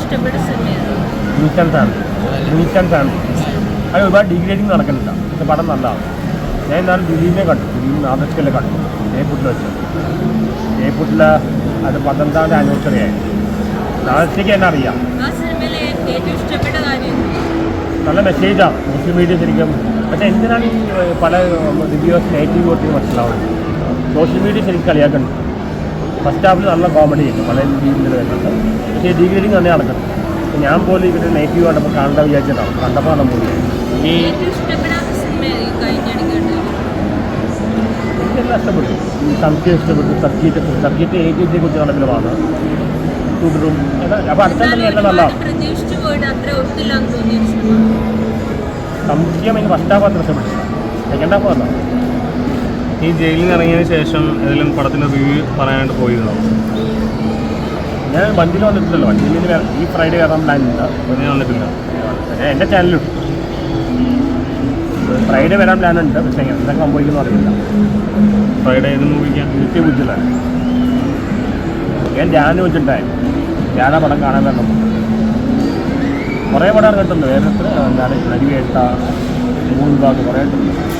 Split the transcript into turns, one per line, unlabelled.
Music family അത് ഒരുപാട് degrading നടക്കുന്നില്ല. പക്ഷെ പടം നല്ലതാണ്. ഞാൻ എന്നാലും ദിലീപിനെ കണ്ടു, ദിലീപ് ആദർശക്കല്ലേ കണ്ടു ജയ്പൂട്ടിൽ വെച്ച്. ജയ്പൂട്ടിൽ അത് 12ാമത്തെ ആനിവേഴ്സറി ആയി. ആദർശയ്ക്ക് എന്നെ അറിയാം. നല്ല മെസ്സേജാണ് മുസ്ലിം മീഡിയ ശരിക്കും. പക്ഷേ എന്തിനാണ് ഈ പല റിവ്യൂസ് നെഗറ്റീവ് വോട്ടിങ് മനസ്സിലാവുന്നത്? സോഷ്യൽ മീഡിയ ശരിക്കും കളിയാക്കുന്നുണ്ട്. ഫസ്റ്റ് ഹാഫിൽ നല്ല കോമഡി ഉണ്ട്, പല രീതിയിൽ വരുന്നുണ്ട്. പക്ഷേ ഡിഗ്രേഡിങ് തന്നെ നടക്കുന്നത്. ഞാൻ പോലും ഇവരുടെ നെഗറ്റീവ് കണ്ടപ്പോൾ കാണേണ്ട വിചാരിച്ചതാണ്. കണ്ടപ്പോൾ നമ്മൾ ഈ എനിക്കെല്ലാം ഇഷ്ടപ്പെട്ടു. ഈ സംഖ്യ ഇഷ്ടപ്പെട്ടു. സബ്ജക്റ്റ് ഏജിയെ കുറിച്ച് നടക്കലുമാണ്. തുടരും അപ്പോൾ അടുത്ത തന്നെ എല്ലാം നല്ലതാണ്. സംഖ്യം എനിക്ക് ഫസ്റ്റ് ഹാഫ് അത്ര ഇഷ്ടപ്പെട്ടില്ല. സെക്കൻഡ് ഹാഫ് നല്ല.
ഈ ജയിലിൽ നിന്ന് ഇറങ്ങിയതിന് ശേഷം ഏതെങ്കിലും പടത്തിൻ്റെ റിവ്യൂ പറയാനായിട്ട് പോയിരുന്നോ?
ഞാൻ വണ്ടിയിൽ വന്നിട്ടില്ലല്ലോ. വണ്ടിയിൽ ഈ ഫ്രൈഡേ വരാൻ പ്ലാൻ ഉണ്ട്.
ഒന്നും വന്നിട്ടില്ല.
എൻ്റെ ചാനലുണ്ട്. ഫ്രൈഡേ വരാൻ പ്ലാൻ ഉണ്ട്. പക്ഷേ എന്തൊക്കെ സംഭവിക്കുന്നു അറിയില്ല.
ഫ്രൈഡേ ഏത് മൂവിക്കാൻ?
നിത്യബുദ്ധിലാണ്. ഞാൻ ധ്യാനം വെച്ചിട്ടുണ്ടായി. ധ്യാന പടം കാണാൻ വരണം. കുറേ പടം കിട്ടുന്നു. വേറെ എന്താണ് നരിവേട്ട, മൂന്ന് ഭാഗം കുറേ കിട്ടുന്നു.